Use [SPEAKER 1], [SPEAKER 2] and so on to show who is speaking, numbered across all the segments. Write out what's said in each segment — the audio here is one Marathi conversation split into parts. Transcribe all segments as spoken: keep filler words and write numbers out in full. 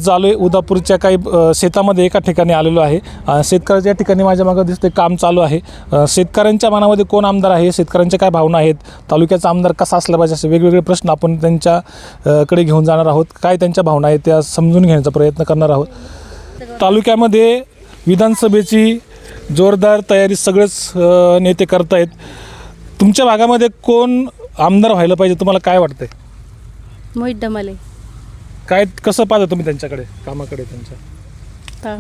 [SPEAKER 1] आलो आहे उदापूरच्या काही अ, शेतामध्ये एका ठिकाणी आलेलो आहे. अ, शेतकऱ्याच्या ठिकाणी माझ्या मागं दिसते काम चालू आहे. अ, शेतकऱ्यांच्या मनामध्ये कोण आमदार आहे, शेतकऱ्यांच्या काय भावना आहेत, तालुक्याचा आमदार कसा असला पाहिजे, असे वेगवेगळे प्रश्न आपण त्यांच्या अ, कडे घेऊन जाणार आहोत. काय त्यांच्या भावना आहेत त्या समजून घेण्याचा प्रयत्न करणार आहोत. तालुक्यामध्ये विधानसभेची जोरदार तयारी सगळेच अ, नेते करतायत. तुमच्या भागामध्ये कोण आमदार व्हायला पाहिजे तुम्हाला काय वाटतंय?
[SPEAKER 2] मोहित डमाले.
[SPEAKER 1] काय कसं पाहता तुम्ही त्यांच्याकडे कामाकडे त्यांच्या?
[SPEAKER 2] ता-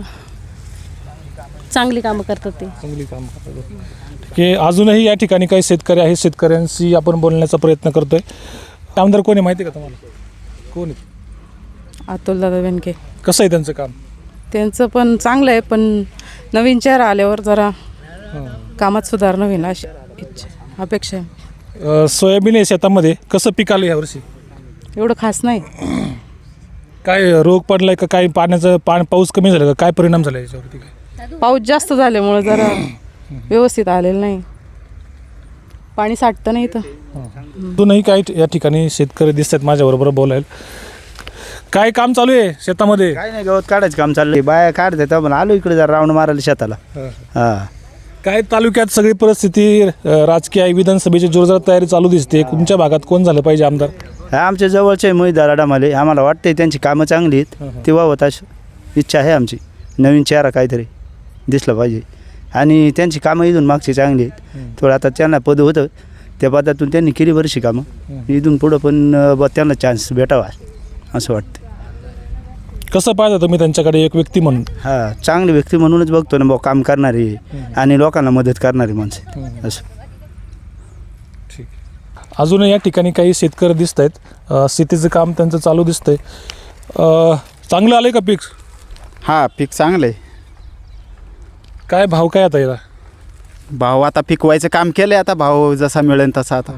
[SPEAKER 2] चांगली कामं करतात ते.
[SPEAKER 1] चांगली काम करतात. की अजूनही या ठिकाणी काही शेतकरी आहेत, शेतकऱ्यांशी आपण बोलण्याचा प्रयत्न करतोय. आमदार कोण आहे माहिती आहे का तुम्हाला? कोण आहे?
[SPEAKER 3] अतुलदादा बेनके.
[SPEAKER 1] कसं आहे त्यांचं काम?
[SPEAKER 3] त्यांचं पण चांगलं आहे, पण नवीन चेहरा आल्यावर जरा कामात सुधारणा होईल अशी इच्छा अपेक्षा आहे.
[SPEAKER 1] अ, सोयाबीन आहे शेतामध्ये, कसं पीक आलं यावर्षी?
[SPEAKER 3] एवढं खास नाही.
[SPEAKER 1] काय रोग पडलाय का, काय पाण्याचं पाणी पाऊस कमी झाला का, काय परिणाम झाला याच्यावरती? काय
[SPEAKER 3] पाऊस जास्त झाल्यामुळे जरा व्यवस्थित आलेलं नाही, पाणी साठतं नाही तर.
[SPEAKER 1] अजूनही काही या ठिकाणी शेतकरी दिसतात माझ्याबरोबर बोलायला. काय काम चालू आहे शेतामध्ये?
[SPEAKER 4] काय नाही, गवत काढायचं काम चाललंय. बाया काढत येतात पण आलो इकडे जरा राऊंड मारायला शेताला. हा
[SPEAKER 1] काय तालुक्यात सगळी परिस्थिती अ, राजकीय आहे, विधानसभेची जोरदार तयारी चालू दिसते. तुमच्या भागात कोण झालं पाहिजे आमदार?
[SPEAKER 4] हा आमच्या जवळचे मोहित डमाले. आम्हाला वाटतंय त्यांची कामं चांगली आहेत, ती व्हावं अशी इच्छा आहे आमची. नवीन चेहरा काहीतरी दिसला पाहिजे आणि त्यांची कामं इथून मागची चांगली आहेत. थोडं आता त्यांना पद होतं त्या पदातून त्यांनी केली बरीचशी कामं. इथून पुढं पण अ, ब त्यांना चान्स भेटावा असं वाटतं.
[SPEAKER 1] कसं पाहता तुम्ही त्यांच्याकडे एक व्यक्ती म्हणून?
[SPEAKER 4] हा चांगली व्यक्ती म्हणूनच बघतो ना, भाऊ काम करणारी आणि लोकांना मदत करणारी माणसं असं.
[SPEAKER 1] ठीक. अजून या ठिकाणी काही शेतकरी दिसत आहेत, शेतीचं काम त्यांचं चालू दिसतंय. अ, चांगलं आलंय का पीक?
[SPEAKER 5] हा पीक चांगलं आहे.
[SPEAKER 1] काय भाव काय आता याला?
[SPEAKER 5] भाव आता पिकवायचं काम केलं आहे, आता भाव जसा मिळेल तसा. आता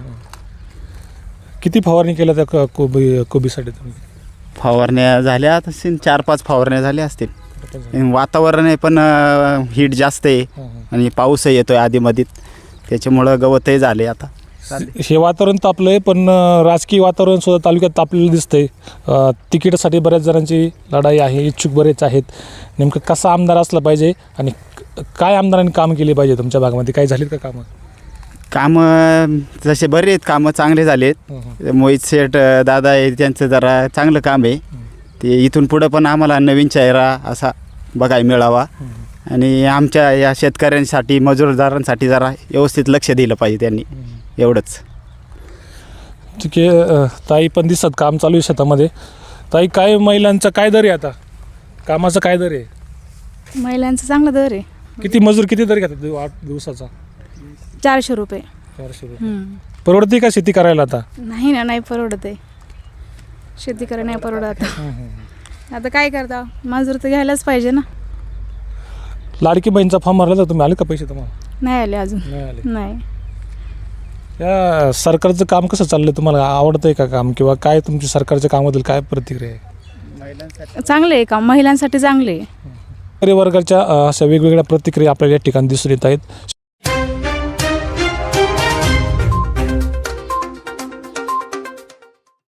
[SPEAKER 1] किती फवारणी केल्या त्या क- कोबी कोबीसाठी तुम्ही?
[SPEAKER 5] फवारण्या झाल्या आता सीन चार पाच फवारण्या झाल्या असतील. आणि वातावरण आहे पण हीट जास्त आहे आणि पाऊसही येतोय आधीमध्ये, त्याच्यामुळं गवतही झाले. आता
[SPEAKER 1] हे वातावरण तापलंय, पण अ, राजकीय वातावरण सुद्धा तालुक्यात तापलेलं दिसतंय. अ, तिकीटासाठी बऱ्याच जणांची लढाई आहे, इच्छुक बरेच आहेत. नेमकं कसा आमदार असला पाहिजे आणि क- काय आमदारांनी काम केले पाहिजे तुमच्या भागामध्ये? काय झालीत का कामं?
[SPEAKER 5] कामं जसे बरे आहेत, कामं चांगले झाले आहेत. मोहित शेठ अ, दादा आहे, त्यांचं जरा चांगलं काम आहे. ते इथून पुढं पण आम्हाला नवीन चेहरा असा बघायला मिळावा आणि आमच्या या शेतकऱ्यांसाठी मजूरदारांसाठी जरा व्यवस्थित लक्ष दिलं पाहिजे त्यांनी, एवढंच.
[SPEAKER 1] ठीक आहे. अ, ताई पण दिसत काम चालू आहे शेतामध्ये. ताई, काय महिलांचा काय दर आहे आता, कामाचा काय दर आहे?
[SPEAKER 6] महिलांचं चांगलं दर आहे.
[SPEAKER 1] किती मजूर किती दर घेतात दिव- आठ दिवसाचा?
[SPEAKER 6] चारशे रुपये.
[SPEAKER 1] चारशे रुपये. परवडते का शेती करायला आता?
[SPEAKER 6] नाही ना, नाही परवडत आहे. शेती करा नाही परवडत. आता काय करता, मजूर तर घ्यायलाच पाहिजे ना.
[SPEAKER 1] लाडकी बहीणचा फॉर्म भरला तर तुम्ही आले का पैसे तुम्हाला?
[SPEAKER 6] नाही आले अजून.
[SPEAKER 1] नाही आले.
[SPEAKER 6] नाही.
[SPEAKER 1] या सरकारचं काम कसं चाललंय, तुम्हाला आवडतंय का काम, किंवा काय तुमची सरकारच्या कामाबद्दल काय प्रतिक्रिया आहे?
[SPEAKER 6] चांगले आहे का, महिलांसाठी चांगले आहे.
[SPEAKER 1] शेतकरी वर्गाच्या अ, अशा वेगवेगळ्या प्रतिक्रिया आपल्याला या ठिकाणी दिसून येत आहेत.